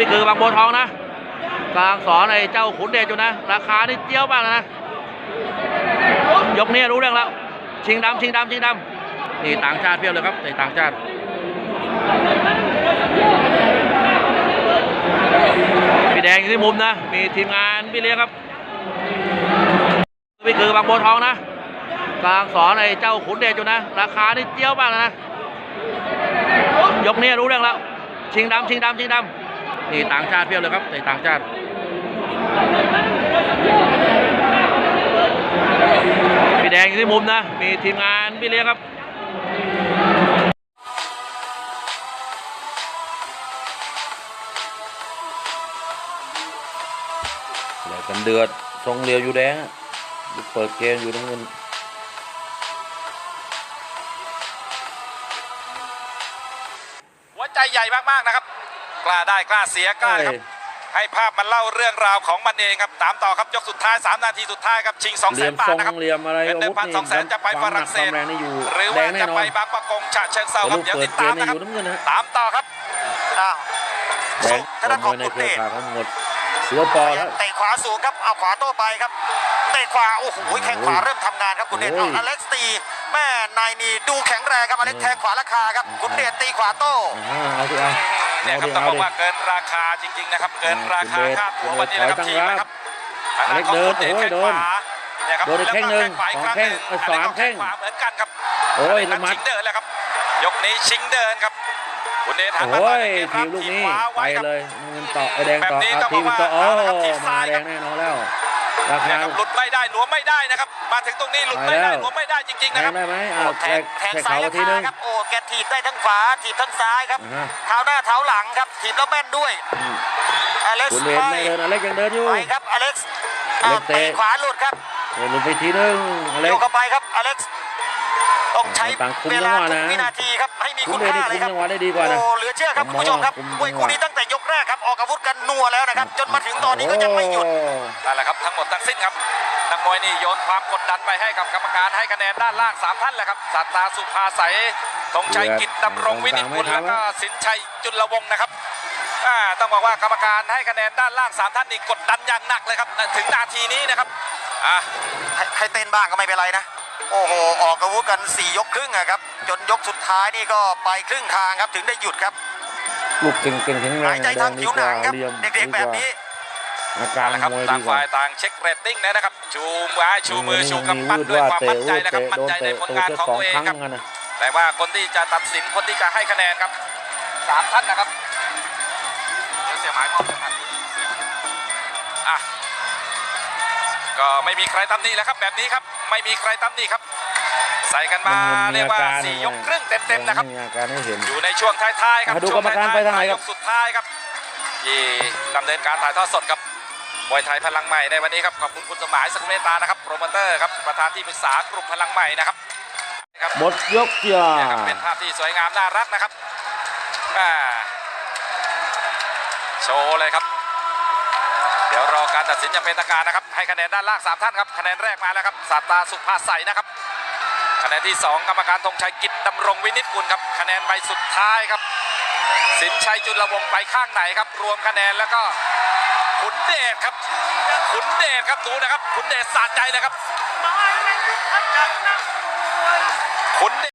คือบางบัวทองนะกำลังสอนไอ้เจ้าขุนเดชอยู่นะราคานี่เจี้ยวมากนะยกนี้รู้เรื่องแล้วชิงดำนี่ต่างชาติเพียบเลยครับในต่างชาติพี่แดงอยู่ที่มุมนะมีทีมงานพี่เลี้ยงครับนี่คือบางบัวทองนะกำลังสอนไอ้เจ้าขุนเดชอยู่นะราคานี่เจี้ยวมากนะยกนี้รู้เรื่องแล้วชิงดำนี่ต่างชาติเพียบเลยครับในต่างชาติพี่แดงอยู่ที่มุมนะมีทีมงานพี่เลี้ยงครับแล้วกันเดือดทรงเรียวอยู่แดงเปิดเกมอยู่ทั้งนั้นหัวใจใหญ่มากๆนะครับกล้าได้กล้าเสียกล้าครับให้ภาพมันเล่าเรื่องราวของมันเองครับตามต่อครับยกสุดท้าย3 นาทีสุดท้ายครับชิง200,000 บาทนะครับเงินเดิมพัน200,000จะไปฝรั่งเศสหรือว่าจะไปบางปะกงฉะเชิงเทราครับเดี๋ยวติดตามนะครับตามต่อครับธนาคารในเครือข่ายทั้งหมดเสือปอแล้วเตะขวาสูงครับเอาขวาโต้ไปครับเตะขวาโอ้โหแข้งขวาเริ่มทำงานครับคุณเดชอเล็กซ์ตีแม่นายนี่ดูแข็งแรงครับอเล็กซ์แทงขวาราคาครับคุณเดชตีขวาโต้เอาดิเอาเนี่ยครับต้องบอกว่าเกินราคาจริงๆนะครับเกินราคาค่าตัววันนี้นะครับทีมนะครับอเล็กเดินโอ้ยโดนแข้งหนึ่ง2 แข้ง3 แข้งเหมือนกันครับโอ้ยละมัดชิงเดินแล้วครับยกนี้ชิงเดินครับคุณเดชหันมาโอ้ยทีมลูกนี้ไปเลยเงินต่อไอแดงต่อทีมต่อมาแดงแน่นอนแล้วราคาหลุดไม่ได้หลวมไม่ได้นะครับมาถึงตรงนี้หลุดไม่ได้หลวมไม่ได้จริงๆนะครับได้ไหมแทงซ้ายทีนึงครับโอ้แกถีบได้ทั้งขวาถีบทั้งซ้ายครับเท้าหน้าเท้าหลังครับถีบแล้วแม่นด้วยอเล็กซ์ไม่เดินอเล็กยังเดินอยู่ไปครับอเล็กซ์เตะขวาหลุดครับหลุดไปทีนึงอเล็กซ์เข้าไปครับอเล็กซ์ต้องใช้เวลาทุกวินาทีครับให้มีคุณค่าเลยครับโอ้เหลือเชื่อครับคุณผู้ชมครับมวยคู่นี้ตั้งแต่ยกแรกครับออกอาวุธกันนัวแล้วนะครับจนมาถึงตอนนี้ก็ยังไม่หยุดนั่นแหละครับทั้งหมดทั้งสิ้นครับนักมวยนี่โยนความกดดันไปให้กับกรรมการให้คะแนนด้านล่าง3 ท่านแหละครับศาสตราสุภาใสธงชัยกิจดำรงวินิจกุลแล้วก็สินชัยจุลวงศ์นะครับต้องบอกว่ากรรมการให้คะแนนด้านล่าง3 ท่านนี่กดดันอย่างหนักเลยครับถึงนาทีนี้นะครับให้เต้นบ้างก็ไม่เป็นไรนะโอ้โหออกอาวุธกัน4 ยกครึ่งครับจนยกสุดท้ายนี่ก็ไปครึ่งทางครับถึงได้หยุดครับลูกเก่งๆทั้งนั้นหายใจทางผิวหนังครับเด็กๆแบบนี้อาการครับต่างฝ่ายต่างเช็คเรตติ้งนะครับชูมือชูกำปั้นด้วยความมั่นใจนะครับมั่นใจในผลงานของตัวเองครับแต่ว่าคนที่จะตัดสินคนที่จะให้คะแนนครับ3 ท่านนะครับเดี๋ยวเสียหมายมอบครับก็ไม่มีใครตำหนิแล้วครับแบบนี้ครับไม่มีใครตำหนิครับใส่กันมาเรียกว่า4 ยกครึ่งเต็มๆนะครับอยู่ในช่วงท้ายๆครับดูกรรมการไปทางไหนครับยกสุดท้ายครับที่ดำเนินการถ่ายทอดสดครับมวยไทยพลังใหม่ในวันนี้ครับขอบคุณคุณสมหมายสกุลเมตตานะครับโปรโมเตอร์ครับประธานที่ปรึกษากลุ่มพลังใหม่นะครับหมดยกจ้าเป็นภาพที่สวยงามน่ารักนะครับโชว์เลยครับเดี๋ยวรอการตัดสินอย่างเป็นทางการนะครับให้คะแนนด้านล่าง3 ท่านครับคะแนนแรกมาแล้วครับศาสตราสุภาใสนะครับคะแนนที่2กรรมการธงชัยกิจดำรงวินิจกุลครับคะแนนใบสุดท้ายครับสินชัยจุลวงศ์ไปข้างไหนครับรวมคะแนนแล้วก็ขุนเดชครับขุนเดชครับดูนะครับขุนเดชสะใจเลยครับขุน